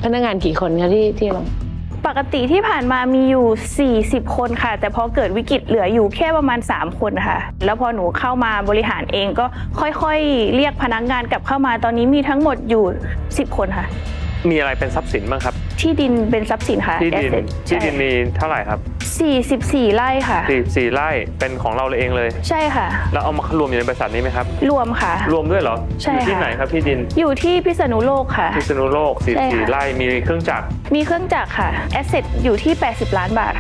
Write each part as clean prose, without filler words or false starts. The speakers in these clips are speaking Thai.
นักงานกี่คนคะที่เราปกติที่ผ่านมามีอยู่40คนค่ะแต่พอเกิดวิกฤตเหลืออยู่แค่ประมาณ3คนค่ะแล้วพอหนูเข้ามาบริหารเองก็ค่อยๆเรียกพนักงานกลับเข้ามาตอนนี้มีทั้งหมดอยู่10คนค่ะมีอะไรเป็นทรัพย์สินบ้างครับที่ดินเป็นทรัพย์สินค่ะที่ดินมีเท่าไหร่ครับ 44ไร่ค่ะ 44ไร่เป็นของเราเองเลยใช่ค่ะแล้วเอามารวมอยู่ในบริษัทนี้ไหมครับรวมค่ะรวมด้วยเหรอใช่อยู่ที่ไหนครับที่ดินอยู่ที่พิษณุโลกค่ะพิษณุโลก44ไร่มีเครื่องจักรค่ะแอสเซทอยู่ที่80ล้านบาท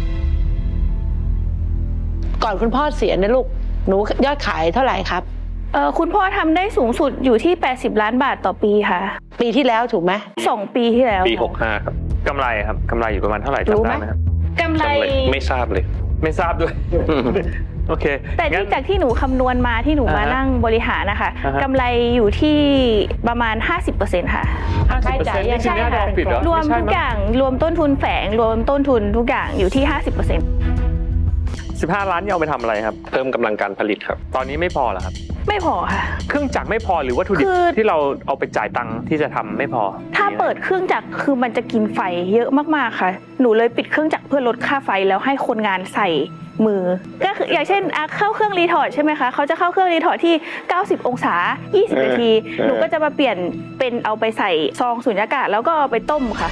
ก่อนคุณพ่อเสียนะลูกหนูยอดขายเท่าไหร่ครับคุณพ่อทำได้สูงสุดอยู่ที่80ล้านบาทต่อปีค่ะปีที่แล้วถูกไหม 2 ปีที่แล้วปี65ครับกำไรครับกำไรอยู่ประมาณเท่าไหร่จำได้ไหมครับกำไรไม่ทราบเลยไม่ทราบด้วยโอเคแต่จากที่หนูคำนวณมาที่หนูมานั่งบริหารนะคะกำไรอยู่ที่ประมาณ 50%ค่ะค่าใช้จ่ายใช่ค่ะรวมทุกอย่างรวมต้นทุนแฝงรวมต้นทุนทุกอย่างอยู่ที่ 50% 15 ล้านนี่เอาไปทำอะไรครับเพิ่มกำลังการผลิตครับตอนนี้ไม่พอเหรอครับไม่พอค่ะเครื่องจักรไม่พอหรือวัตถุดิบที่เราเอาไปจ่ายตังค์ที่จะทำไม่พอถ้าเปิดเครื่องจักรคือมันจะกินไฟเยอะมากๆค่ะหนูเลยปิดเครื่องจักรเพื่อลดค่าไฟแล้วให้คนงานใส่มือก็คืออย่างเช่นเข้าเครื่องรีทอร์ดใช่ไหมคะเขาจะเข้าเครื่องรีทอร์ดที่90องศา20นาทีหนูก็จะมาเปลี่ยนเป็นเอาไปใส่ซองสุญญากาศแล้วก็เอาไปต้มค่ะ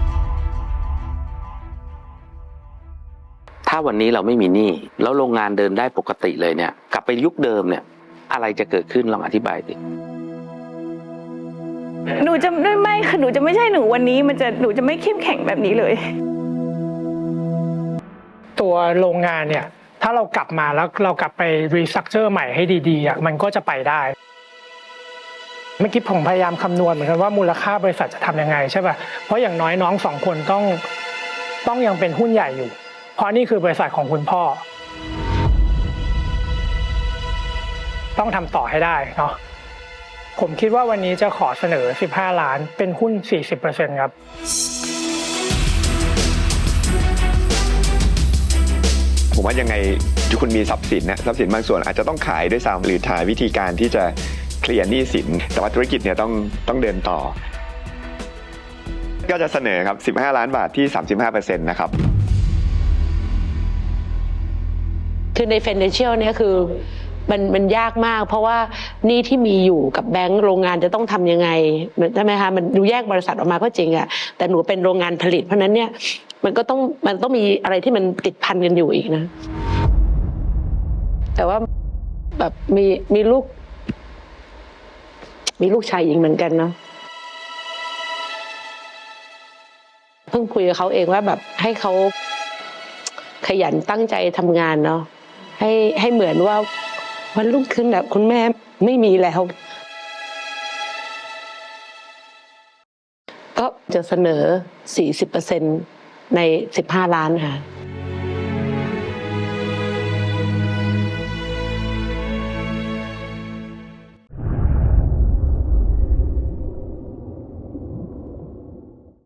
ถ้าวันนี้เราไม่มีหนี้แล้วโรงงานเดินได้ปกติเลยเนี่ยกลับไปยุคเดิมเนี่ยอะไรจะเกิดขึ้นลองอธิบายสิหนูจะไม่ค่ะหนูจะไม่ใช่หนูวันนี้หนูจะไม่เข้มแข็งแบบนี้เลยตัวโรงงานเนี่ยถ้าเรากลับมาแล้วเรากลับไปรีสตรัคเจอร์ใหม่ให้ดีๆมันก็จะไปได้เมื่อกี้ผมพยายามคำนวณเหมือนกันว่ามูลค่าบริษัทจะทำยังไงใช่ป่ะเพราะอย่างน้อยน้อง2 คนต้องยังเป็นหุ้นใหญ่อยู่เพราะนี่คือบริษัทของคุณพ่อต้องทำต่อให้ได้เนาะผมคิดว่าวันนี้จะขอเสนอ15 ล้านเป็นหุ้น 40% ครับผมว่ายังไงคุณมีทรัพย์สินนะทรัพย์สินบางส่วนอาจจะต้องขายด้วยซ้ำหรือหาวิธีการที่จะเคลียร์หนี้สินแต่ว่าธุรกิจเนี่ยต้องเดินต่อก็จะเสนอครับ15 ล้านบาทที่ 35% นะครับคือใน financial เนี่ยคือมันยากมากเพราะว่านี่ที่มีอยู่กับแบงก์โรงงานจะต้องทำยังไงใช่ไหมคะมันดูแยกบริษัทออกมาก็จริงอะแต่หนูเป็นโรงงานผลิตเพราะนั้นเนี่ยมันต้องมีอะไรที่มันติดพันกันอยู่อีกนะแต่ว่าแบบมีลูกชายหญิงเหมือนกันเนาะเพิ่งคุยกับเขาเองว่าแบบให้เขาขยันตั้งใจทำงานเนาะให้เหมือนว่าวันรุ่งขึ้นแบบคุณแม่ไม่มีแล้วก็จะเสนอ 40% ใน15 ล้านค่ะ